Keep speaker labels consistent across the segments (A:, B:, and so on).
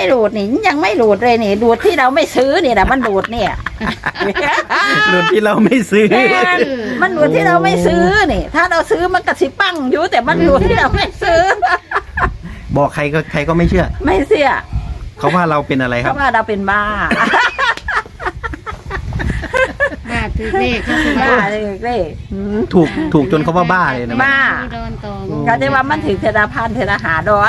A: ไม่หลุดนี่ยังไม่หลุดเลยนี่หลุดที่เราไม่ซื้อนี่แหละมันหลุดเนี่ย
B: หลุดที่เราไม่ซื้อ
A: มันหลุดที่เราไม่ซื้อนี่ถ้าเราซื้อมันกระสิปังอยู่แต่มันหลุดที่เราไม่ซื้อ
B: บอกใครก็ไม่เชื่อ
A: ไม่เสีย
B: เขาว่าเราเป็นอะไรค
A: เพ
B: รับ
A: ราะว่าเราเป็นบ้า
C: บ้าถือเลขก็คือ
A: บ้า
C: บ้า
A: เลย
B: ถูกจนเขาว่าบ้าเลยนะแม่
A: บ้า
C: โดนตอง
A: ก็ได้ว่ามันถึงเทระพันเทระหาร้อย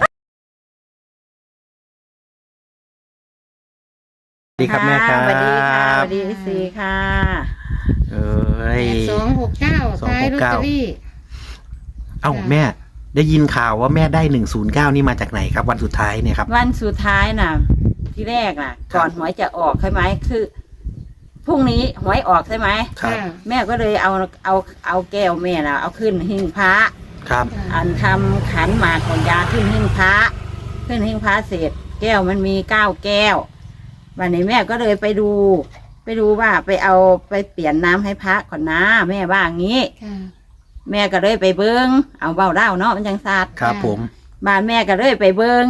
B: สวัสดีครับแม่ครับ
A: สวัสดีค่ะสวัสดีสีค่ะ
B: เอ้ย
C: 269ท้ายลอตเตอรี่
B: เอ้าแม่ ได้ยินข่าวว่าแม่ได้109นี่มาจากไหนครับ วันสุดท้ายเนี่ยครับ
A: วันสุดท้ายน่ะ ที่แรกน่ะ ก่อนหวยจะออกใช่ไหมคือพรุ่งนี้หวยออกใช่ไหม
B: ครับ
A: แม่ก็เลยเอาแก้วแม่น่ะเอาขึ้นหิ้งพระ
B: ครับ
A: อันทำขันหมากของยาขึ้นหิ้งพระขึ้นหิ้งพระเสร็จแก้วมันมี9 แก้ววันนี้แม่ก็เลยไปดูว่าไปเปลี่ยนน้ำให้พระก่อนนะแม่ว่างี้
C: ค่ะ
A: แม่ก็เลยไปเบิ้งเอาเบาเล่าเนาะมันจังซาด
B: ครับผม
A: บ้านแม่ก็เลยไปเบิ้ง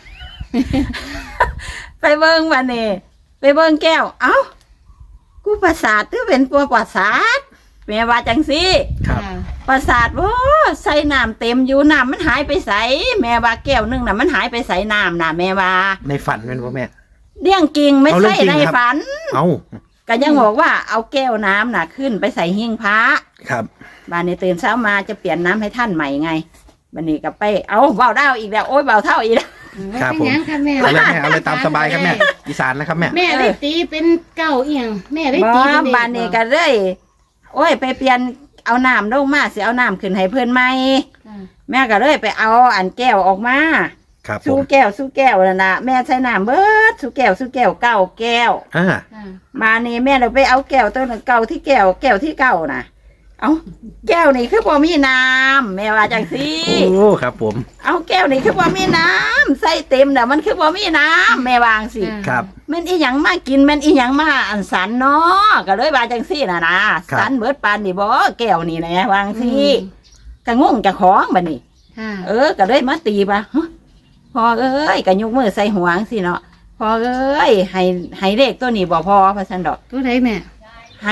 A: ไปเบิ้งวันนี้ไปเบิ้งแก้วเอ้ากูประสาทหรือเป็นตัวประสาทแม่ว่าจังสิ
B: ครับ
A: ประสาทโอ้ใส่น้ำเต็มอยู่น้ำมันหายไปใสแม่ว่าแก้วนึงน่ะมันหายไปใสน้ำน่ะแม่ว่า
B: ในฝันเป็นป่ะแม่
A: เรื่องจริงไม่
B: เอาเรื่
A: ใช่
B: องจริง
A: ใน
B: ครับ
A: ฝัน
B: เอ้า
A: ก็ยังบอกว่าเอาแก้วน้ำน่ะขึ้นไปใส่หิ้งพระ
B: ครับ
A: บ้านนี้ตื่นเช้ามาจะเปลี่ยนน้ำให้ท่านใหม่ไงบันนี้ก็ไปเอาเบาเท่าอีกแล้วโอ้ยเบาเท่าอีกแล้ว
B: ครับผม
C: เป็นหยังค่ะแม่
B: เอาเลยแม่เอาเลยตามสบายครับแม่อีสานนะครับแม่
C: แม่ได้ตีเป็นเก้าเอียงแม่ได้
A: บ
C: ตี
A: อ
C: เป็นเลข
A: บ้านนี้ก็เลยโอ้ยไปเปลี่ยนเอาน้ำลงมาสิเอาน้ำขึ้นให้เพื่อนใหม่
C: ค่ะ
A: แม่ก็เลยไปเอาอันแก้วออกมา
B: ครับผ
A: สู้
B: ม
A: แก้วนั่นนะแม่ใช้น้ำเบิดสู้แก้ว9 แก้ว
B: อ่า
C: ค่ะ
A: มานี่แม่เราไปเอาแก้วตัวนึงเก่าที่แก้วที่เก่าน่ะเอาแก้วนี่คือบ่มีน้ำแม่ว่าจังสิ
B: โอ้ครับผม
A: เอาแก้วนี่คือบ่มีน้ำใส่เต็มน่ะมันคือบ่มีน้ำแม่วางสิ
B: ครับ
A: แม่นอีหยังมากินแม่นอีหยังมาอันสันเนาะก็เลยว่าจังซี่น่ะนะสันเบิดปานนี่บ่แก้วนี่นะวางสิก็งงเจ้าของบัดนี้
C: ค่ะ
A: ก็เลยมาตีป่ะฮะพอเอ้ยก็ยกมือใส่หัวจังซี่เนาะพอเอ้ยให้เลขตัวนี้บ่พอพะซั่นดอก
C: ตัวไหนแม่
A: ให้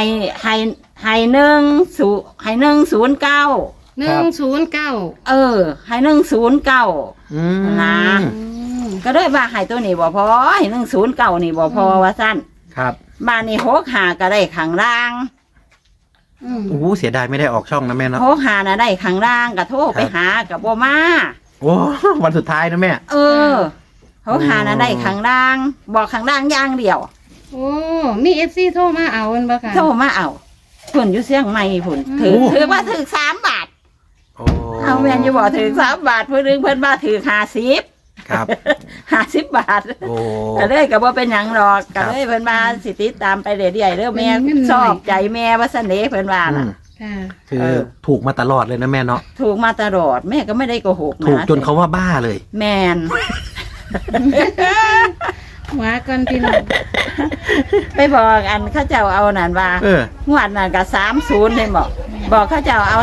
A: 109
C: 109
A: ให้109
B: อืม
A: นะ ก็เลยว่าให้ตัวนี้บ่พอให้109นี่บ่พอว่าซั่น
B: ครับ
A: บ้านนี้65ก็ได้ข้างล่าง
C: อืม
B: โอ้เสียดายไม่ได้ออกช่องนะแม่เนาะ
A: 65น่ะได้ข้างล่างก็โทรไปหาก็บ่มา
B: โอ้วันสุดท้ายนะแม่
A: 65น่ะได้ข้างล่าง บอกข้างล่างอย่างเดียว
C: โอ้มีเอฟซีโทรมาเอาอันบ่ค่ะ
A: โทรมาเอาพุ่นอยู่เชียงใหม่พุ่นถือว่าถือ3 บาท
B: โอ้
A: เอาแม่นอยู่บ่ถือ3 บาทเพิ่นนึงเพิ่นว่าถือ50
B: ครับ
A: 50 บาท
B: โอ้
A: ก็เลยก็บ่เป็นหยังหรอก
B: ครั
A: ก็
B: บ
A: เลยเพิ่นมาสิติดตามไปเรื่อยๆเด้อแม่ชอบใจแม่ว่าซั่นเด้เพิ่นว่า
B: อื
A: น่ะ
B: ม
C: ค่ะ
B: คือถูกมาตลอดเลยนะแม่เนาะ
A: ถูกมาตลอดแม่ก็ไม่ได้โกหกนะ
B: ถูกจนเขาว่าบ้าเลย
A: แมน
C: หัวก่อนพี่น้อง
A: ไปบอกอันเข้าเจ้าเอานั่นว่า
B: เออ
A: งวดนั่นก็30เลยบอกเข้าเจ้าเอา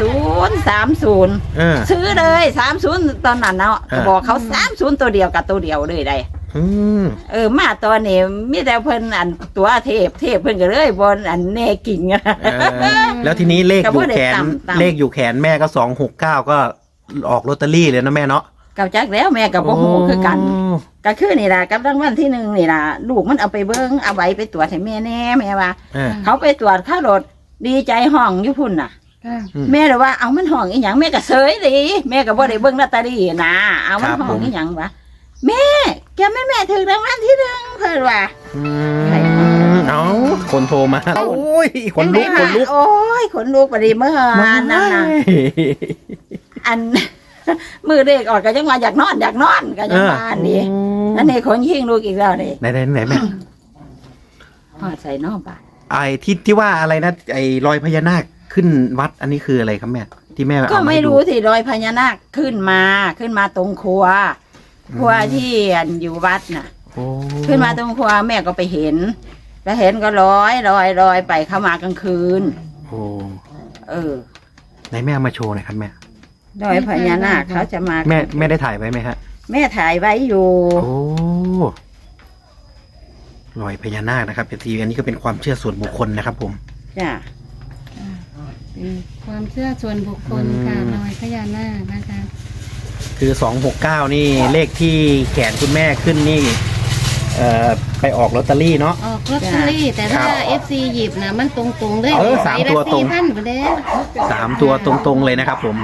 A: 30
B: เออ
A: ซื้อเลย30ตอนนั้นเนาะ
B: เออ
A: บอกเขา30ตัวเดียวกับตัวเดียวเลยได้
B: อืม
A: มาตอนนี้มีแต่เพิ่นอันตัวเทพเพิ่นก็เลยบนอันแน่กิ่งอะ
B: เออแล้วทีนี้เลขอยู่แขน
A: ก็บ่ได้ต่ำๆ
B: เลขอยู่แขนแม่ก็269ก็ออกลอตเตอรี่เลยนะแม่เนาะ
A: กับจักแล้วแม่กับบ่ฮู้คือกัน ก็คือนี่ล่ะกับรางวัลที่1นี่ล่ะลูกมันเอาไปเบิ่งเอาไว้ไปตรวจให้แม่แน่แม่ว่า
B: เออ
A: เขาไปตรวจค่ารถดีใจห้องอยู่พุ่นน่ะ
C: ค่ะ
B: อืม
A: แม่เลยว่าเอามันห้องอีหยังแม่ก็เสยดิแม่ก็บ่ได้เบิ่งลอตเตอรี่นะเอามัน
B: ครับ
A: ห้อง
B: ผม
A: อีหยังวะแม่แกแม่ถึงรางวัลที่1เพิ่นว่า
B: อืมเอาคนโทรมาโอ้ยคนลุกคนลุก
A: โอ้ยขนลุกไปดิเมื่อวานนั่นน่ะอัน มือเด็กออกก็ยังว่าอยากนอนก็ยังว่าอันนี้อันนี้คนยิงลูกอีกแล้วนี่
B: ไหนแม่
A: ฮอดใส่นอกบ้าน
B: ไอ้ที่ว่าอะไรนะไอ้รอยพญานาคขึ้นวัดอันนี้คืออะไรครับแม่ที่แม่เอา
A: ก็
B: มา
A: ไม่
B: ให้ดู
A: รู้สิรอยพญานาคขึ้นมาตรงครัวที่อันอยู่วัดน่ะ
B: โอ้
A: ขึ้นมาตรงครัวแม่ก็ไปเห็นก็ลอยไปเข้ามากลางคืน
B: โอ้
A: เออ
B: ไหนแม่เอามาโชว์หน่อยครับแม่
A: รอยพญานาคเขาจะมา
B: แม่ได้ถ่ายไว้ไหมฮะ
A: แม่ถ่ายไว้อยู่
B: โอ้รอยพญานาคนะครับเอฟซีอันนี้ก็เป็นความเชื่อส่วนบุคคลนะครับผม
A: จ้ะ
C: เป็นความเชื่อส่วนบุคคลค่ะรอยพญานาคนะคะ
B: คือ269นี่เลขที่แขนคุณแม่ขึ้นนี่ไปออกลอตเตอรี่เนาะ
C: ออกลอตเตอรี่แต่ถ้า
B: ครับ
C: FC หยิบนะมันตรงๆเลย
B: สามตัวตรง
C: 4,000ไปแล้ว
B: 3 ตัวตรงๆเลยนะครับผม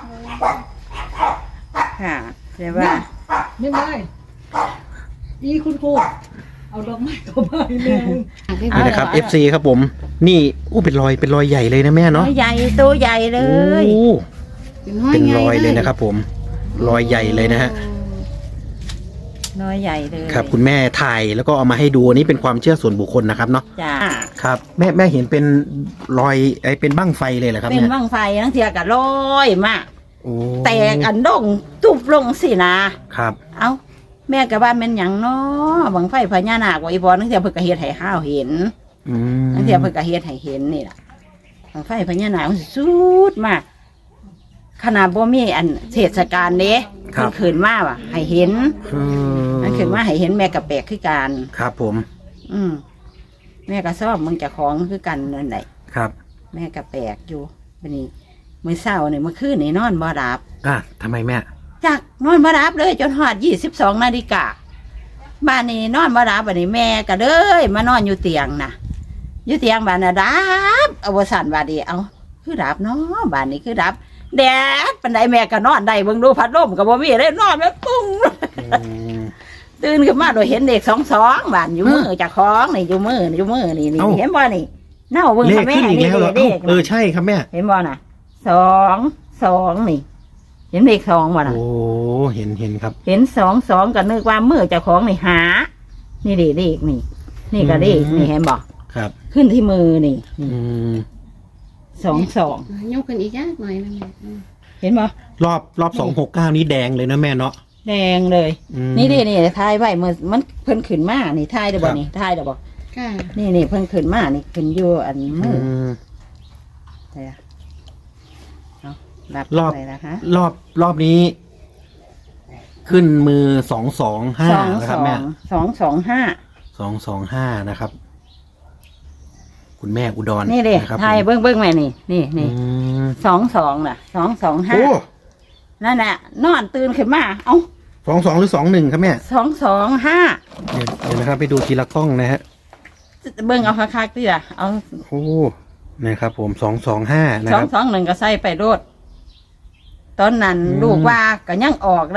A: ค่ะแต่ว่า
D: ไม่ได้อีคุณครูเอาดอกไม้เข้ามาให้แม่มึง
B: นี่นะครับ FC ครับผม นี่อู้เป็นรอยใหญ่เลยนะแม่เนาะ
A: ใหญ่ตัวใหญ่เลย
B: โอ้
C: ห้
B: เป็นรอย
C: ใหญ่
B: เลยนะครับผม รอยใหญ่เลยนะฮะ
A: น้อยใหญ่เลย
B: ครับคุณแม่ถ่ายแล้วก็เอามาให้ดูอันนี้เป็นความเชื่อส่วนบุคคลนะครับเนาะ
A: จ้ะ
B: ครับแม่เห็นเป็นรอยเป็นบั้งไฟเลยเหรอครับ
A: เป็น
B: เนี่ย
A: บั้งไฟทั้งเทียกับร้อยมาก
B: โอ้
A: แตกอันดงตุบลงสินะครับ เอ้าแม่กับบ้านเป็นหยังเนาะบังไฟพญานาคว่าอีพอทั้งเทียเพิ่นก็เฮ็ดให้ข้าวเห็น
B: อืม
A: ทั้งเทียเพิ่นก็เฮ็ดให้เห็นนี่ล่ะบังไฟพญานาคมันสุดมากขนาดบ่มีอันเทศกาลเด้มันขึ้นมาว่ะให้เห็น มันขึ้นมาให้เห็นแม่กับแปลกคือกัน
B: ครับผม
A: แม่ก็ชอบมึงจะของคือกันนั่นแหละ
B: ครับ
A: แม่ก็แปลกอยู่วันนี้มื้อเช้านี่เมื่อคืนนี่นอนบ่หลับ
B: ทำไมแม่
A: จักนอนบ่หลับเลยจนฮอด22 นาฬิกาบ้านนี้นอนบ่หลับบัดนี้แม่ก็เลยมานอนอยู่เตียงน่ะอยู่เตียงบ้านน่ะดับเอาบ่สั่นบาดนี้เอาคือดับเนาะบ้านนี้คือดับแดดปานใดแม่ก็นอนได้เบิ่งดูพัดลมก็บ่มีเลยนอนแบบปุ้ง ตื่นขึ้นมาโดยเห็นเด็ก22บ้านอยู่มือเจ้าของนี่อยู่มือนี่นี่
B: เอ้า
A: เห็นบ่นี่เน่าเบิ่ง
B: เลข
A: ค่ะแม่
B: ขึ้นอีก
A: นี่
B: แล้วเหรอ
A: เด็ก
B: ใช่ครับแม่
A: เห็นบ่น่ะ2 นี่ เห็นเลข2บ่น่ะ
B: โอ้เห็นครับ
A: เห็น2 ก็นึกว่ามือเจ้าของนี่หา นี่เด็กนี่ นี่ก็เลขนี่เห็นบ่
B: ครับ
A: ขึ้นที่มือนี่
B: อืม
A: 22
C: ยกขึ้นอีกยักหน่อยนะแม่
A: เห็นบ่
B: รอบ269นี้แดงเลยนะแม่เนาะ
A: แดงเลย
B: อืม
A: นี่ทายไว้มือมันเพิ่นขึ้นมานี่ทายได้บ่
B: ครับ
A: นี่ทายได้บ่
C: ค่ะ
A: นี่เพิ่นขึ้นมานี่ขึ้นอยู่อันมือ
B: ม
A: ใช่เอารับ
B: รอบ
A: อะไรนะคะ
B: รอบนี้ ขึ้นมือ225นะครับแม่
A: 225
B: 225นะครับ คุณแม่อุดร
A: นี่เด้
B: นะครับ
A: ไทย
B: ผม
A: เบิ้งแม่นี่นี่
B: อืม
A: 22น่ะ225
B: โอ้
A: นั่นน่ะนอนตื่นขึ้นมาเอ้า
B: 22หรือ21ครับแม่
A: 225
B: เดี๋ยวนะครับไปดูทีละกล้องนะฮะ
A: เบิ้งเอาคักๆดิล่ะเอา
B: โอ้นะครับผม225นะครับ
A: 221ก็ใส่ไปโลดตอนนั้น
B: อืม
A: ลูกว่าก็ยังออกได้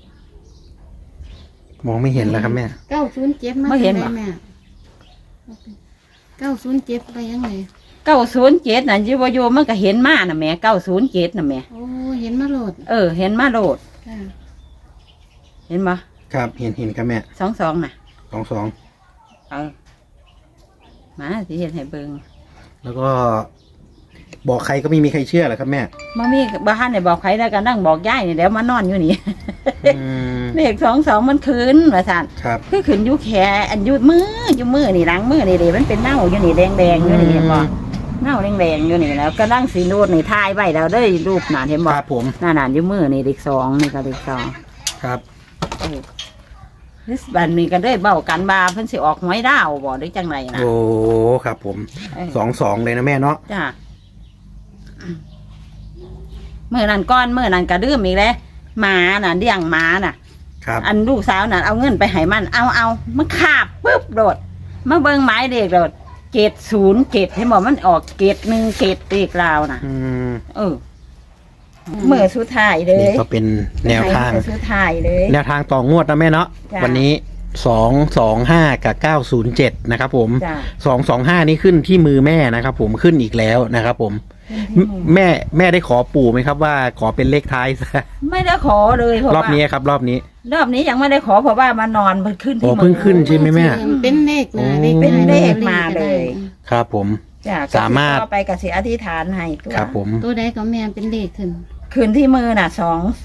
B: มองไม่เห็นแล้วครับแม่
C: 907มา
A: ไม่เห็น
C: จัง
A: บ่
C: ใดแม่907ไปยังไง
A: 907น่ะอยู่มันก็เห็นมาน่ะแม่907น่ะแม่
C: โอ้เห็นมาโหลด
A: เห็นมาโลด
C: ค่ะ
A: เห็นบ่
B: ครับเห็นครับแม่
A: 22น่ะ
B: 22
A: มาสิเห็นให้เบิ่ง
B: แล้วก็ บอกใครก็ไม่มีใครเชื่อหรอกครับแม่
A: มามีบ้านเนี่ยบอกใครแล้วก็นั่งบอกยายนี่เดี๋ยวมานอนอยู่นี่
B: อืม
A: เลข22มันคืนว่าซั่น
B: ครับ
A: คือขึ้นอยู่แขอันอยู่มือนี่หลังมือนี่เด้มันเป็นเน่าอยู่นี่แดงๆอยู่นี่เห็นบ่เน่าแดงๆอยู่นี่แล้วก็นั่งสีนูดนี่ทายไว้แล้วเด้อรูปน่ะเห็นบ่
B: ครับผม
A: หน้าอยู่มือนี่เลข2นี่ก็เลข2
B: ครับ
A: นี่บัดนี้ก็ได้เบ้ากันว่าเพิ่นสิออกหวยดาวบ่ได้จังไดนะ
B: โอ้ครับผม
A: เออ
B: 22เลยนะแม่เนาะ
A: จ้ะมื้อนั้นก่อนมื้อนั้นก็ดื่มอีกแล้วหมาน่ะเลี้ยงหมาน่ะ
B: ครับ
A: อันลูกสาวน่ะเอาเงินไปให้มันเอามันขาบปุ๊บโดดมาเบิ่งหมายเลขโดด707ให้บอกมันออก717เลขลาวน่ะ
B: อืม
A: เมื่อสุดท้ายเล
B: นี่
A: ย
B: ก็เป็นแนวทาง
A: มื้อสุดท้ายเลย
B: แนวทางต่องวดนะแม่เนาะ
A: จ้ะ
B: วันนี้225กับ907นะครับผม
A: จ้ะ
B: 225นี่ขึ้นที่มือแม่นะครับผมขึ้นอีกแล้วนะครับผมแม่ได้ขอปู่ไหมครับว่าขอเป็นเลขท้ายซะ
A: ไม่ได้ขอเลยเพราะ
B: รอบ
A: ว่า
B: นี้ครับ รอบนี้
A: รอบนี้ยังไม่ได้ขอเพราะว่ามานอนมันขึ้น
B: โอ้
A: ที่
B: เพิ่งขึ้น ใช่ไหมแม่
C: เป็นเลขนะ
B: โอ้
A: เป็นเลขมาเลย
B: ครับผม
A: จ้ะ
B: สามารถ
A: ก็ไปกับสิอธิษฐานให้ตัว
B: ครับผม
C: ตัวใดก็แม่เป็นเลขขึ้น
A: คืนที่มือน่ะ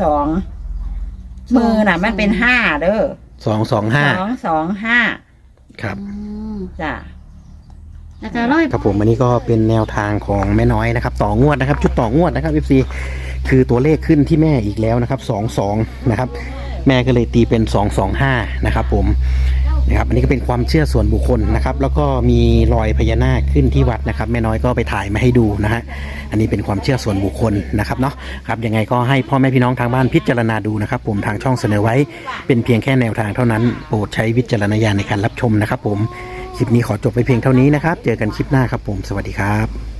A: มือน่ะ มันเป็น5เด้อ
B: 225
A: 225
B: ครับ
C: อืม
A: จ้ะ
C: แล้วก็ร้อย
B: ครับผมอันนี้ก็เป็นแนวทางของแม่น้อยนะครับต่องวดนะครับ ชุดต่องวดนะครับ FC คือตัวเลขขึ้นที่แม่อีกแล้วนะครับ22นะครับแม่ก็เลยตีเป็น225นะครับผมนะครับอันนี้ก็เป็นความเชื่อส่วนบุคคลนะครับแล้วก็มีรอยพญานาคขึ้นที่วัดนะครับแม่น้อยก็ไปถ่ายมาให้ดูนะฮะอันนี้เป็นความเชื่อส่วนบุคคลนะครับเนาะครับยังไงก็ให้พ่อแม่พี่น้องทางบ้านพิจารณาดูนะครับผมทางช่องเสนอไว้เป็นเพียงแค่แนวทางเท่านั้นโปรดใช้วิจารณญาณในการรับชมนะครับผมคลิปนี้ขอจบไปเพียงเท่านี้นะครับเจอกันคลิปหน้าครับผมสวัสดีครับ